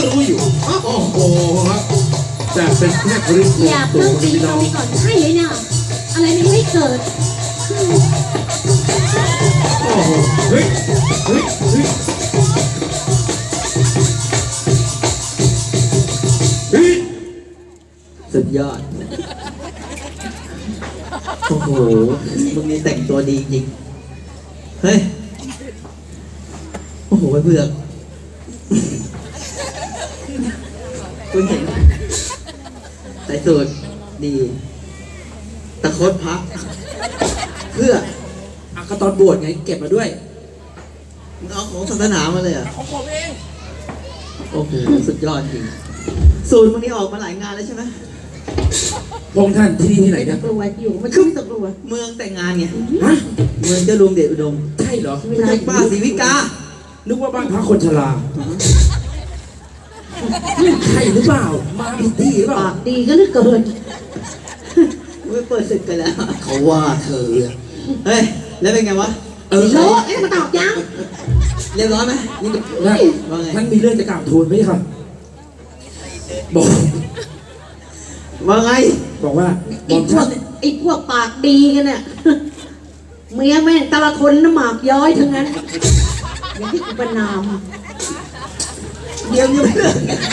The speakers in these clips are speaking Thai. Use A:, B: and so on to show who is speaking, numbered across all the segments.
A: รู้อยู่โอ้โหแต่เป็นแค่คริสต์
B: อย่าเพิ่งตีตรงนี้ก่อนใช่เลยเนี่ยอะไรมันไม่เกิด
A: โอ้โหเฮ้ยเฮ้ยเฮ้ยเฮ้ยสุดยอดโอ้โหมึงนี่แต่งตัวดีจริงเฮ้ยโอ้โหเบื่อคุณเห็นใส่สูตรดีตะโคดพักเพื่อก็ตอนบวชไงเก็บมาด้วยมึงเอาของศาสนามาเลยอ่ะของผมเองโอ้โหสุดยอดจริงสูตรมึงนี่ออกมาหลายงานแล้วใช่ไหมพงท่านที่นี่ที่ไหน
B: ต
A: นะ
B: กลัวอยู่มันขึ้นตกลัว
A: เมืองแต่งงานไงฮะเมืองเจ้าลุงเดชอุดมใช่เหรอไม่ใช่ป้าศรีวิกานึกว่าบ้านพักคนชราใช่หรือเปล่ามาผิดที่หรือเปล่า
B: ปากดีก็เหลือเกิน
A: ไม่เปิดศึกกันแล้วเขาว่าเธอเฮ้ยแล้วเป็นไงวะ
B: โลเอ๊ะมาตอบยัง
A: เรียบร้อยไหมนี่ว่าไงท่านมีเรื่องจะกล่าวทูลไหมครับบอกว่าไงบอกว่า
B: ไอ้พวกปากดีกันเนี่ยเมียแม่งแต่ละคนน้ำหมากย้อยทั้งนั้นอย่างที่กูประนาม
A: เดี๋ยวนี้ไม่เลิก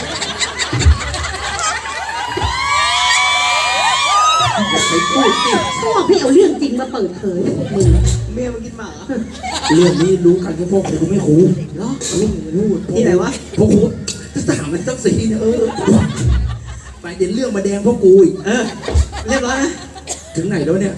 A: อย่าไปพูดสิ
B: ชอบให้เอาเรื่องจริงมาเปิดเผยพวกมึง
A: เมียมากินหมาเรื่องนี้รู้กันแค่พวกกูไม่คูเนาะรู้ที่ไหนวะพวกกูจะถามมันต้องสีเนี่ยไปเดี๋ยวเรื่องมาแดงพวกกูอีกเรียบร้อยนะถึงไหนแล้วเนี่ย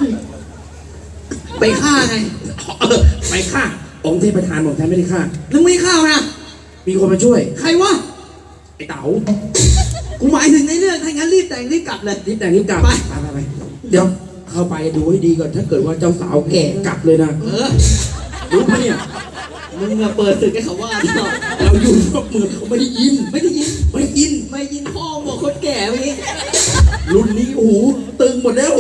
A: ไปฆ่าไงไปฆ่าองค์เทพทานบอกท่านไม่ได้ฆ่าแล้วไม่ฆ่านะมีคนมาช่วยใครวะไอ้เต๋ากูหมายถึงในเรื่องถ้างั้นรีบแต่งรีบกลับเลยรีบแต่งรีบกลับไปเดี๋ยวเข้าไปดูให้ดีก่อนถ้าเกิดว่าเจ้าสาวแก่กลับเลยนะรู้ไหมเนี่ยมึงเปิดศึกให้เขาว่าเราอยู่นอกเมืองเขาไม่ได้ยินพ่อบอกคนแก่เมื่อกี้รุ่นนี้โอ้โหตึงหมดแล้ว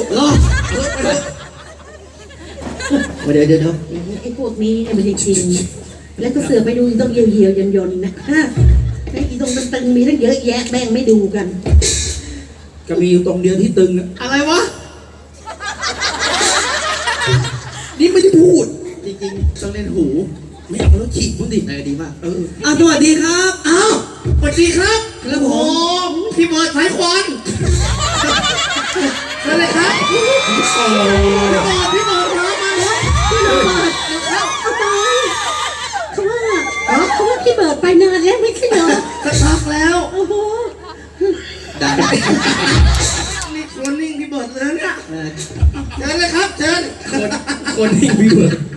A: เดี๋ยว
B: ไอ้พวกนี้เนี่ยมันจริงแล้วก็เสือไปดูต้องเยียวยนนะไอ้ตรงตึงมีตั้งเยอะแยะแม่งไม่ดูกัน
A: ก็มีอยู่ตรงเดียวที่ตึงอะไรวะนี่ไม่ได้พูดจริงๆต้องเล่นหูไม่เอาแล้วฉีกมึงดิดีมากสวัสดีครับสวัสดีครับครับผมพี่เบิร์ดสายควันอะไรครับพี่เบิร์ดมา
B: พี่เบิร์ดเอาไปเขาว่าพี่เบิร์ดไปนานแล้วไม่ใช่เหรอ
A: สักพักแล้ว
B: โอ้โห
A: ได้นี่คนนิ่งพี่เบิร์ดเลยเนี่ยเชิญเลยครับเชิญคนนิ่งพี่เบิร์ด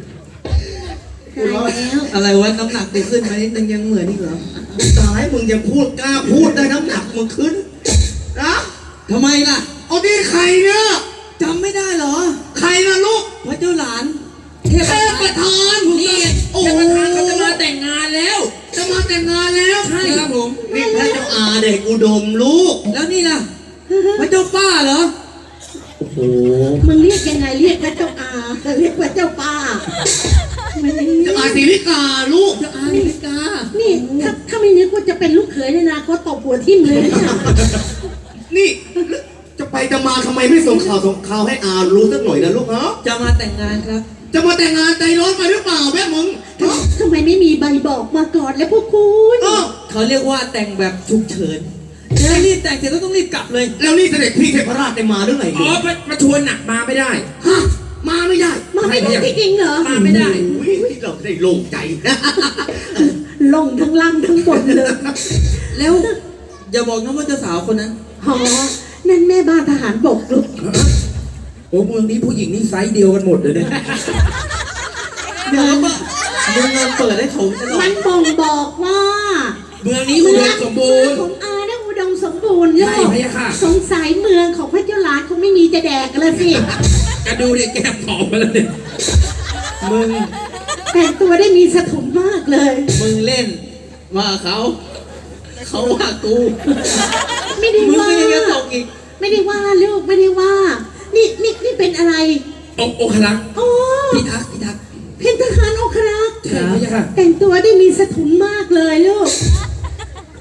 A: อะไรวะน้ำหนักกูขึ้นมานิดนึงยังเหมือนนี่เหรอตายมึงยังพูดกล้าพูดได้น้ำหนักมึงขึ้นนะทำไมล่ะเอาดิใครเนี่ยจำไม่ได้เหรอใครนะลูกพระเจ้าหลานเทพประธานนี่โอ้เทพประธานเขาจะมาแต่งงานแล้วใช่ครับผมนี่พระเจ้าอาเด็กอุดมลูกแล้วนี่ล่ะพระเจ้าป้าเหรอโอ้โห
B: มึงเรียกยังไงเรียกพระเจ้าอาเรียกพระเจ้าป้า
A: เจ้าอาศิริกาลูกเจ้าอาศิริกา
B: นี่ถ้าไม่นึกว่าจะเป็นลูกเขยในอนาคตตบหัวทิ่มเลย
A: นี่จะไปจะมาทำไมไม่ส่งข่าวให้อารู้สักหน่อยนะลูกเนาะจะมาแต่งงานครับจะมาแต่งงานใจร้อนไปหรือเปล่าแม่มึง
B: ทำไมไม่มีใบบอกมาก่อนแล้วพวกคุณ
A: เขาเรียกว่าแต่งแบบฉุกเฉินแล้วรีบแต่งเสร็จแล้วต้องรีบกลับเลยแล้วนี่เสด็จพี่เทพราชได้มาหรือไงประชวนหนักมาไม่ได้ฮะมาไม่ได้
B: จริงเหรอ
A: มาไม่ได้เราได้โล่งใจ
B: ลงทั้งล่างทั้งบนเลย
A: แล้วอย่าบอกนะว่าเจ้าสาวคนนั้น
B: นั่นแม่บ้านทหารบกลูก
A: โอ้เมืองนี้ผู้หญิงนี่ไซส์เดียวกันหมดเลยเนี่ยเดี๋ยวเงินเปิดได้ถงตลอด
B: มันบ่งบอกว่า
A: เมืองนี้อุดมสมบูรณ์
B: ของอาเนี่ยอุดมสมบูรณ์เลยสงสัยเมืองของพระเจ้าหลานคงไม่มีจะแดกกันเลยสิ
A: กระดูเนี่ยแก้มผอมมาแล้วเนี่ยมึง
B: แต่งตัวได้มีสถุนมากเลย
A: มึงเล่นว่าเขาว่ากู
B: ไม่ได้ว่า
A: มึงยังตกอีก
B: ไม่ได้ว่าลูกไม่ได้ว่านี่เป็นอะไร
A: องครักษ์พิทักษ์
B: เป็นทหารองครักษ์
A: ใช่ค่ะ
B: แต่งตัวได้มีสถุนมากเลยลูก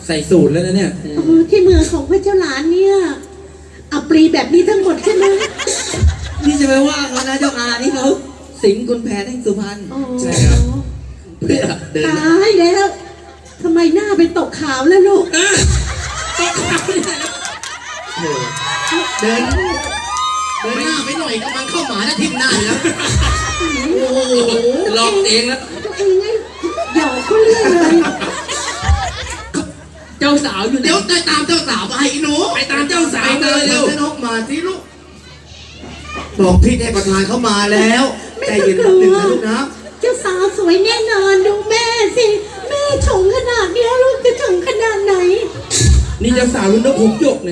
A: ใส่สูตรแล้วนะเนี่ย
B: ที่เมืองของพระเจ้าหลานเนี่ยอัปรีแบบนี้ทั้งหมดใช่ไหม
C: นี่จะไปว่าเขานะเจ้าอานี่เขาสิงห์คุณแผนแห่งสุพรรณ
B: อ๋อ
A: ใช่ครับ เพื่อเดิน
B: ตายแล้วทำไมหน้าเป็นตกขาวแล้วลูก
A: ตกขับไม่ได้แล้ว
C: เดินหน้าไปหน่อยก็มันเข้าหมาแล้วทิ่มหน้าอยู่แล้วโอ้โห
A: ลอกเองแล้ว
B: ตัวเองไงหยอกเขาเรื่อยเลย
C: เจ้าสาวอยู่เดี๋ยวไปตามเจ้าสาวไปหนู
A: ไปตามเจ้าสาว
C: ไป
A: มา
C: เลย
A: เร็
C: เร็
A: ว
C: วน้องมาสิลูกบอกพี่ให้ประธานเข้ามาแล้วใจเย็นนิดนึงนะลูกนะ
B: เจ้าสาวสวยแน่นอนดูแม่สิแม่ชงขนาดเนี้ยลูกจะชงขนาดไหน
A: นี่เจ้าสาวรุ่นนกผมหยกเนี่ย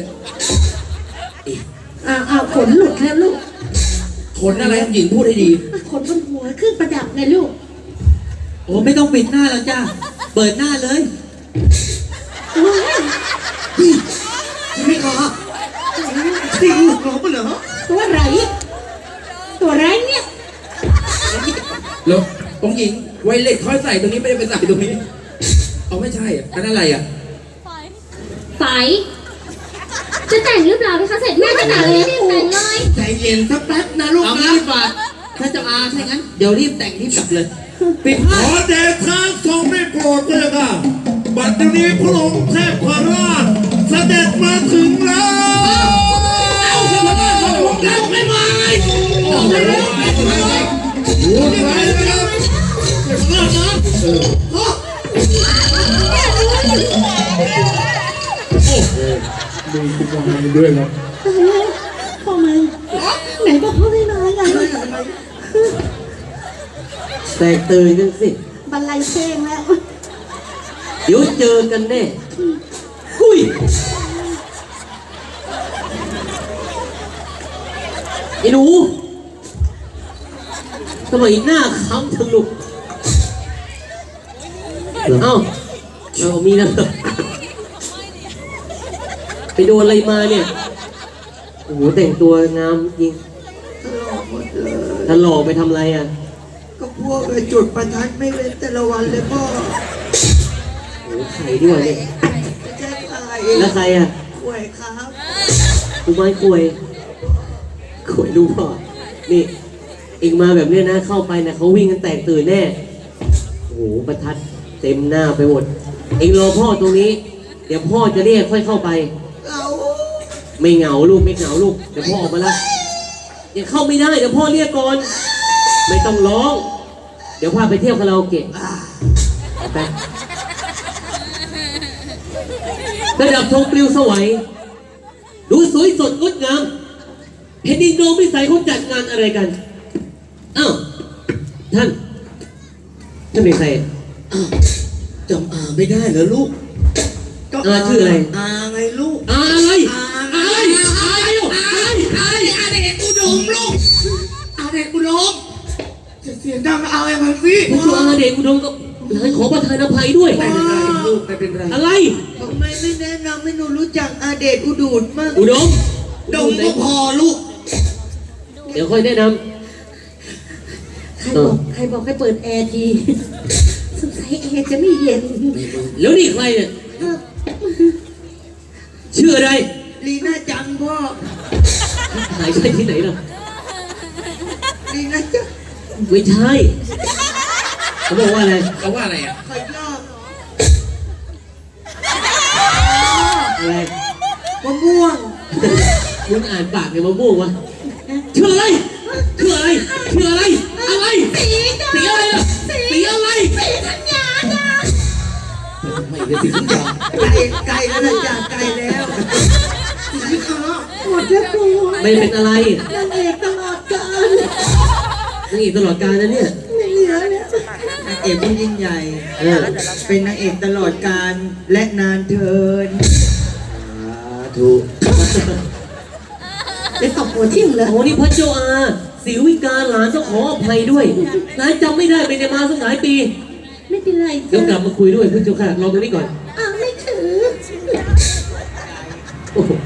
B: ขนหลุดแล้วลูก
A: ขนอะไรหญิงพูดให้ดี
B: ขนบนหัวเครื่องประดับไงลูก
C: โอ้ไม่ต้องปิดหน้าแล้วจ้าเปิดหน้าเลย
B: ว้าย
C: ไม่ขอสิงห์ขอปะเหรอ
B: ตัวไรตัวไรเนี่ย
A: แล้วองค์หญิงไวเล็ตค่อยใส่ตรงนี้ไม่ได้ไปใส่ตรงนี้เอาไม่ใช่อ่ะอันนั้นอะไรอ่ะ
D: ไฝจะแต่งหรือเปล่าพี่คะเสร็จแม่จะแต่งเลยรีบแต่งเลย
C: ใจเย็นสักแป๊บนะลูกนะรีบมาถ้าเจ้าอาใช่งั้นเดี๋ยวรีบแต่งรีบกลับเลยปิด
E: ข
C: ผ้า
E: อเดชะทรงได้โปรดเลยค่ะบัดนี้พระองค์เทพราชเสด็จมาถึงแล้ว
C: เอาเถอะมาบ้านของผมแล้วไม่มาไงบอกไม่ได้ไม่มาไง
E: ดูไปนะครับ
C: มานะ
E: มีกุมารด้วยนะ
B: ตายแล้วพ่อมึงไหนบอกเขาไม่มาไง
F: แตกตื่นกันสิ
B: บันไลเพลงแล้ว
F: เดี๋ยวเจอกันแน่หุยไอ้หนูทำไมหน้าค้ำทั้งลูกเอ้าเอามีนะไปโดนอะไรมาเนี่ย โอ้โหแต่งตัวงามจริงถ้าหลอกไปทำอะไรอ่ะ
C: ก็พวกจุดประทัดไม่เว้นแต่ละวันเลยพ่อ
F: โอ้โหไข่ด้วยเนี่ย
C: ไม่ใช่ใคร
F: แล้วใครอ่ะ
C: ป่วยครับ
F: กูไม้กล้วยกล้วยลูกพ่อนี่เองมาแบบเนี้ยนะ เข้าไปนะเขาวิ่งกันแตกตื่นแน่ โอ้โห ประทัดเต็มหน้าไปหมด เองรอพ่อตรงนี้ เดี๋ยวพ่อจะเรียกค่อยเข้าไป
C: เรา
F: ไม่เหงาลูกไม่เหงาลูก เดี๋ยวพ่อออกมาละอย่าเข้าไม่ได้ เดี๋ยวพ่อเรียกก่อน ไม่ต้องร้อง เดี๋ยวพาไปเที่ยวคาราโอเกะไประดับธงปลิวสวัยดูสวยสดงดงามเห็นดินโดมวิสัยเขาจัดงานอะไรกัน อ้าว ท่านเป็นใคร
C: จำอาไม่ได้เหรอลูก
F: อาชื่ออะไร
C: อาไงลูก
F: อะไร
C: อะไรเด็กอุดมลูกอาเด็กอุดมจะเสียงดังเอาไอ้มันสิ
F: ผู้ช่วยอาเดชอุดมก็หลานขอประทานอภัยด้วย
A: ไม่เป็นไรลูกไม่เป็นไร
F: อะไร
C: ทำไมไม่แนะนำให้หนูรู้จักอาเดชอุดูดมั่ง
F: อุดม
C: ดมก็พอลูก
F: เดี๋ยวค่อยแนะน
B: ใครบอกให้เปิดแอร์ทีสงสัยแอร์จะไม่เย็น
F: ำแล้วนี่ใครเนี่ย ชื่ออะไร
C: ลีน่าจังพ่อ
F: หายใช่ที่ไหนล่ะ
C: ลีน่าจัง
F: ไม่ใช่ เขาบอกว่าอะไร
A: เขาว่าอะไรอ่ะ
C: ขยอบ
F: อะไร
C: มะม่วง
F: มึงอ่านปากเนี่ยมาบ้วงวะชื่ออะไรชื่ออะไรชื่ออะไร อะไร สีอะไรล่ะสีอะไร
A: ไม่ได้สิคุณยา
C: ไก่แล้วนะจ๊ะไก่แล้วสีขาว
B: หมดแล้วกู
F: ไม่เป็นอะไร
B: นางเอกตลอดกาล
F: นี่ตลอดกาลนะเนี่ย
B: ไม่เหลือแล้ว
C: นางเอกผู้ยิ่งใหญ่
F: เออ
C: เป็นนางเอกตลอดกาลและนานเทิน
F: ถูก
B: ไปตบหัวทิ่มเลย
F: โอ้นี่พระเจ้าอาศิวิกาหลานต้องขออภัยด้วยหลานจำไม่ได้ไปได้มาสักหลายปี
B: ไม่เป็นไร
F: เดี๋ยวกลั
B: จ้ะ
F: บมาคุยด้วยพระเจ้าค่ะรอตรงนี้ก่อน
B: ไม่ถือ
F: โอ้โห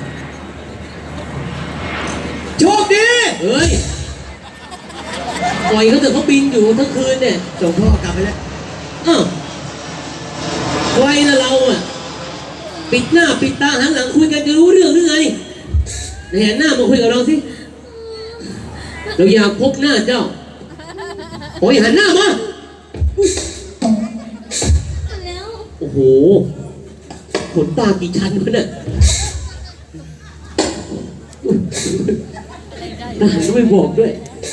C: โชคดี
F: เฮ้ยปล่อยเขาเถอะเขาบินอยู่ทั้งคืนเนี่ย
C: ส่งพ่อกลับไปแล้ว
F: อ้าวใครนะเราอ่ะปิดหน้าปิดตาหันหลังคุยกันจะรู้เรื่องหรือไงไหนหันหน้ามาคุยกับเราสิเราอยากพบหน้าเจ้าโอ้ยหันหน้ามา
D: แล้ว
F: โอ้โหขนตากี่ชั้นวะเนี่ยทหารก็ไม่บอกด้วย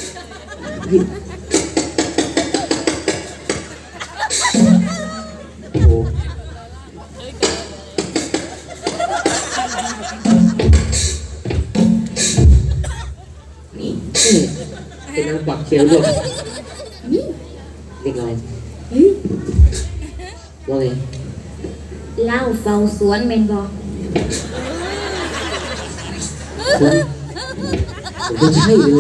F: โอ้โหนี่เป็นนางกวักเชียวด้วยเด็กอะไรว่าไง
D: เล่าเฝ้าสวนเมนบอก
F: ผมก็ใช่เลย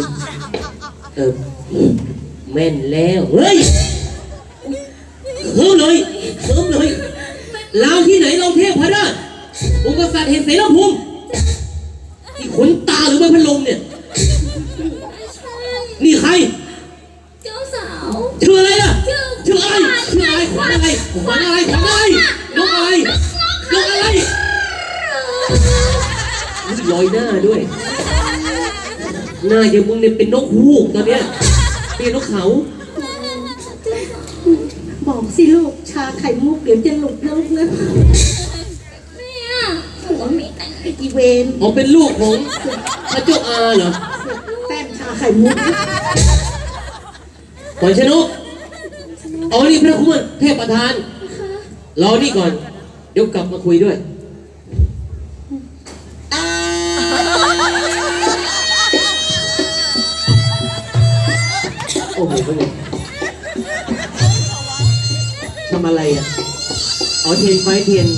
F: แม่นแล้วเฮ้ยเพิ่มเลยเราที่ไหนเราเทพพระราชองค์กษัตริย์เห็นเสรภูมินี่ขนตาหรือใบพัดลมเนี่ยนี่ใคร
D: เจ้าสาว
F: ชื่ออะไรล่ะชื่ออะไรขวัญอะไรนกอะไรลอยหน้าด้วยหน้าอย่างมึงเนี่ยเป็นนกฮูกตอนเนี้ยเป็นนกเขา
B: บอกสิลูกชาไข่มุกเดี๋ยวจะหลุดลูกนะ
D: เนี่ยหัวมีแต่
B: ไอ้กีเวน
F: อ๋อเป็นลูกของพระเจ้าอาเหรอ
B: แป้งชาไข่มุก
F: ขวัญชนกอ๋อนี่พระคุณเทพประธานรอนี่ก่อนเดี๋ยวกลับมาคุยด้วยโอ้โหทำอะไรอ่ะอ๋อเทียนไฟเทียน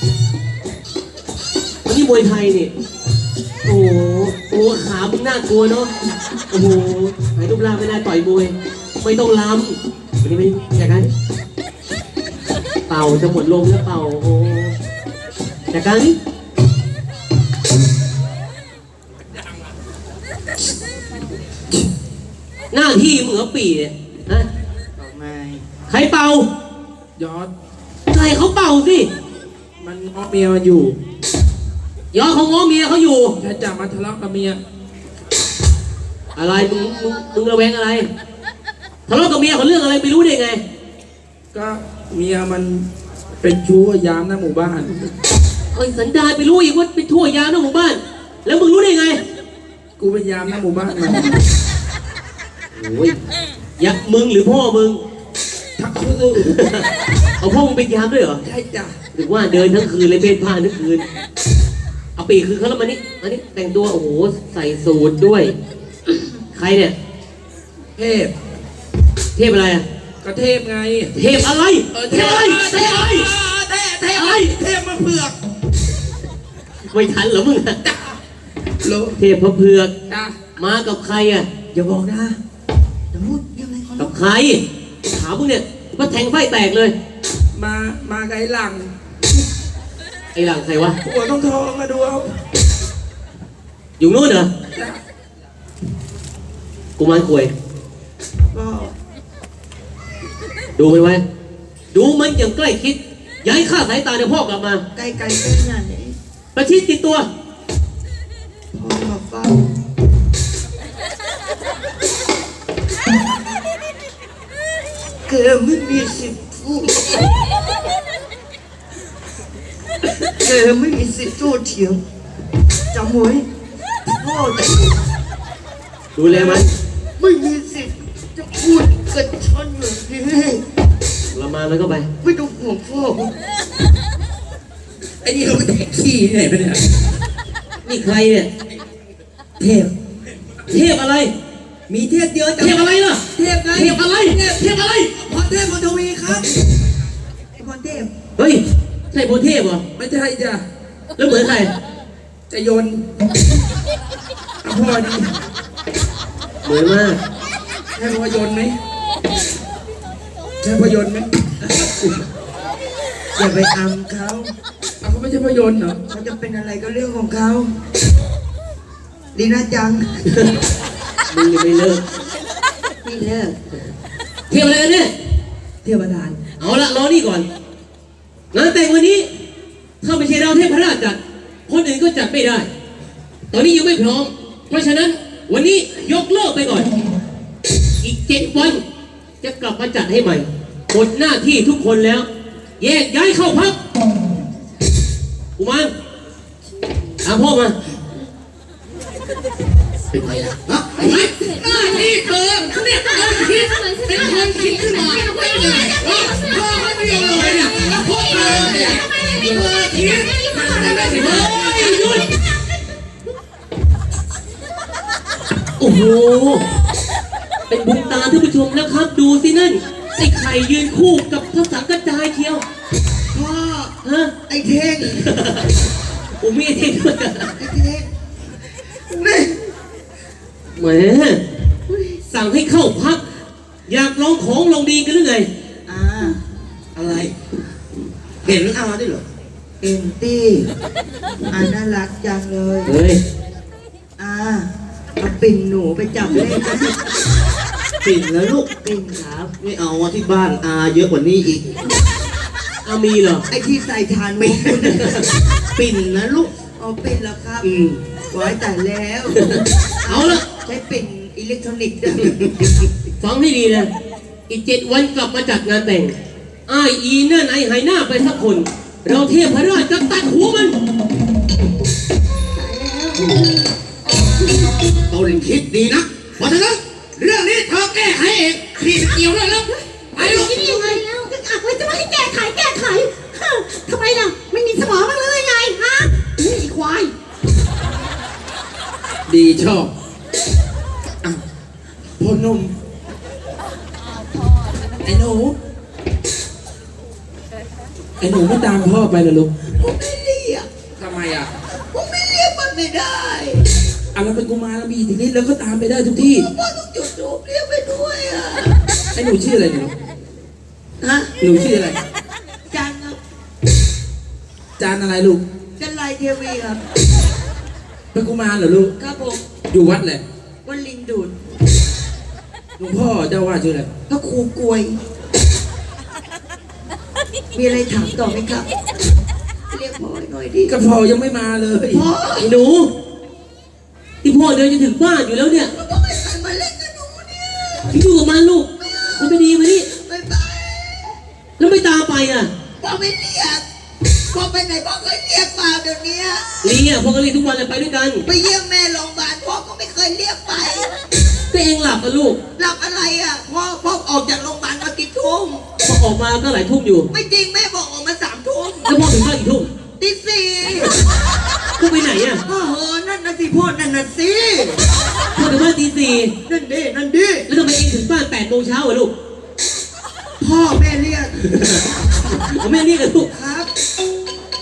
F: อันนี้มวยไทยนี่โอ้โหตัวขามึงน่ากลัวเนาะโอ้โหหายรูปร่างไม่น่าต่อยมวยไม่ต้องล้ำวันนี้ไม่จากการเป่าจะหมดลมแล้วเป่าโอ้จากการนี้หน้าที่มึงเอาปีเนี่ยฮะใครเป่าย
A: อด
F: ใครเขาเป่าสิ
A: มันง้อเมียมันอยู่
F: ยอดเขาง้อเมียเขาอยู่
A: แค่จับมาทะเลาะกับเมีย
F: อะไรมึงระแวงอะไรทะเลาะกับเมียเขาเรื่องอะไรไม่รู้ได้ไง
A: ก็เมียมันเป็นชู้ยามหน้าหมู่บ้าน
F: เอ้ยสันดานไปรู้อีกว่าไปทั่วยามในหมู่บ้าน แล้วมึงรู้ได้ไง
A: กูเป็นยามหน้าหมู่บ้านมัน
F: โอ้ยอยากมึงหรือพ่อมึง
A: ทักคู่
F: เอาพ่อมึงเป็นยามด้วยเหรอ
A: ใช่จ้ะ
F: หรือว่าเดินทั้งคืนเลยเพ่นพ่านทั้งคืนเอาปีกคือเขาแล้วมานี่แต่งตัวโอ้โหใส่สูทด้วย ใครเนี่ย
A: เทพ
F: เทพอะไรอะ
A: ก็เทพไง
F: เทพอะไรเทพอะไรเทพอะไร
A: เทพเทพมาเผือก
F: ไม่ทันเหรอมึงอะ
A: โล
F: เทพพระเผือก
A: จ้ะ
F: มากับใครอะ
C: อย่าบอกนะอย่าพูดยังไงก่อน
F: กับใครถามมึงเนี่ยว่าแทงไฟแตกเลย
A: มาไกลหลัง
F: ไอ้หลังใครวะ
A: หัวต้องทองมาดูเอา
F: อยู่นู้นเหรอ
A: จ้ะ
F: กูมารกวย
A: ก็
F: ดูมันไว้ ดูมันอย่างใกล้ชิดอย่าให้ข้าสายตาเดี๋ยวพ่อกลับมา
C: ไกลๆเป็นงานไหน
F: ประชิดติดตัว
C: พ่อมาเฝ้าเกอไม่มีสิทธิ์พูดเกอไม่มีสิทธิ์โต้เถียงจำไว้พ่อจะ
F: ดูแลมัน
C: ไม่มีสิทธิ์จะพูดกับฉันแบบนี้
F: ละมามันก็ไป
C: ไม่ต้องห่วงพ่อ
A: ไอ้นี่เขาไปแตะขี้ที่ไหนไปเนี่ย
F: นี่ใครเนี่ย
C: เทพ
F: เทพอะไร
C: มีเทพเยอะ
F: เทพอะไรล่ะ
C: เทพไง
F: เทพอะไร เทพอะไร
C: พรเทพพรทวีครับพรเทพ
F: เฮ้ย ใช่โพเทพเหรอ
A: ไม่ใช่จ้ะ
F: แล้วเหมือนใคร
A: จะโยนเอาพ่อดี
F: เหมือนมาก
A: ใช่พ่อยนต์ไหมใช่พ่อยนต์ไหม
C: อย่าไปอำเขา
A: เอาเขาไม่ใช่พ่อยนต์เหรอ
C: เขาจะเป็นอะไรก็เรื่องของเขาดีนะจัง
F: มึงยังไม่เลิก
B: ไม่เลิก
F: เทพอะไรกันเนี่ย
C: เทวดาน
F: เอาละรอนี่ก่อน งานแต่งวันนี้ถ้าไม่ใช่เราเทพราชจัด คนอื่นก็จัดไม่ได้ ตอนนี้ยังไม่พร้อม เพราะฉะนั้นวันนี้ยกเลิกไปก่อน อีก7 วันจะกลับมาจัดให้ใหม่หมดหน้าที่ทุกคนแล้ว แยกย้ายเข้าพักกุมารตามพ่อมา
C: เป็นไงล่ะฮะเห็นไหมหน้าที่เธอเนี่ยคิดเป็นคนคิดขึ้นมาไม่เลยเธอไม่เดียวเลยเนี่ยพวกเธอเนี่ยเธอคิดเฮ้ยหยุด
F: โอ้โห เป็นบุญตาท่านผู้ชมนะครับ ดูสินั่น ไอ้ไข่ยืนคู่กับพระสังกัจจายเชียว
C: พ่อ
F: ฮะ
C: ไอ้เท่ง
F: โอ้มีไอ้เท่งด้วย
C: ไอ้เท่งนี่
F: แหมสั่งให้เข้าพัก อยากลองของลองดีกันหรือไง
C: อะไร เห็นอาด้วยเหรอ
G: เอ็นตี้น่ารักจังเลย
F: เฮ้ย
G: เอาปิ่นหนูไปจับเล่นนะ
C: ปิ่นแล้วลูก
G: ปิ่นครับ
C: ไม่เอาอะที่บ้านอาเยอะกว่านี้อีก
F: เอามีเหรอ
G: ไอ้ที่ใส่ทาน
C: ปิ่
G: มุ
C: น
G: กคุณน่ะ
C: ปิ่นนะลูก
G: เอาปิ่นแล้วครับ
C: ม
G: ไว้แต่แล้ว
F: เอาละ
G: ใช้ปิ่นอิเล็กทรอนิกส์ด้วย
F: ฟังให้ดีนะ อีก7 วันกลับมาจัดงานแต่งอ้ายอีนั่นไอ้หายหน้าไปสักคน เราเทพราชจะตัดหัวมัน
C: ตนคิดดีนะเพราะฉะนั้นเรื่องนี้เธอแก้ไขเองนี่เกี่ยวด้วยแล้วไปลูก
B: คิดยังไงแล้วจะมาให้แก้ไขฮะทำไมล่ะไม่มีสมองบ้างเลยไงฮะนี่ไอ้ควาย
A: ดีชอบอ่ะพ่อหนุ่มไอ้หนูไม่ตามพ่อไปนะลูก
G: ผมไม่เรียก
A: ทำไมอ่ะ
G: ผมไม่เรียกมันไม่ได้
A: อ่ะเราเป็นกุมารแล้วมีอิทธิฤทธิ์แล้วก็ตามไปได้ทุกที่
G: พ่อต้องจุดทูปเรียกไปด้วยอ่ะ
A: ไอ้หนูชื่ออะไรเนี่ย
G: ฮะ
A: หนูชื่ออะไร
G: จันครับ
A: จานอะไรลูก
G: จันไรเทวีครับ
A: เป็นกุมารเหรอลูก
G: ครับผม
A: อยู่วัดแหละ
G: วันลิงดูด
A: หลวงพ่อเจ้าว่าชื่ออะไร
G: พระครูกลวย มีอะไรถามต่อไหมครับ เรียกพ่อหน่อยดิ
A: กระเพรายังไม่มาเลย
G: พ่อ
F: ไอ้หนู ที่พ่อเดินจะถึงบ้านอยู่แล้วเนี่ย
G: พ่อไม่ใครมาเล่นกับหนูเนี่ย
F: อยู่กับมันลูก มันไม่ดีมานี่
G: บ๊ายบาย
F: แล้วไม่ตามไปอ่ะ
G: พ่อไม่เรียกพ่อไปไหนพ่อก็เรียกเปล่าเดี๋ยวนี้
F: ลีอ่ะพ่อก็เรียกทุกวันเลยไปด้วยกัน
G: ไปเยี่ยมแม่โรงพยาบาลพ่อก็ไม่เคยเรียกไป
F: ก็เองหลับอ่ะลูก
G: หลับอะไรอ่ะพ่อออกจากโรงพยาบาลมากี่ทุ่ม
F: พอออกมาก็หลายทุ่มอยู่
G: ไม่จริงแม่บอกออกมา3 ทุ่ม
F: แล้วพ่อถึงบ้านกี่ทุ่ม
G: ตี 4
F: พ่อไปไหนอ่ะ
G: นั่นนะสิพ่อนั่นนะสิ
F: พ่อถึงบ้านตี 4
G: นั่นดินั่นดิ
F: แล้วทำไมเองถึงบ้าน8 โมงเช้าอ่ะลูก
G: พ่อแม่เรียก
F: ผมไม่เรียกกันลูก
G: ครับ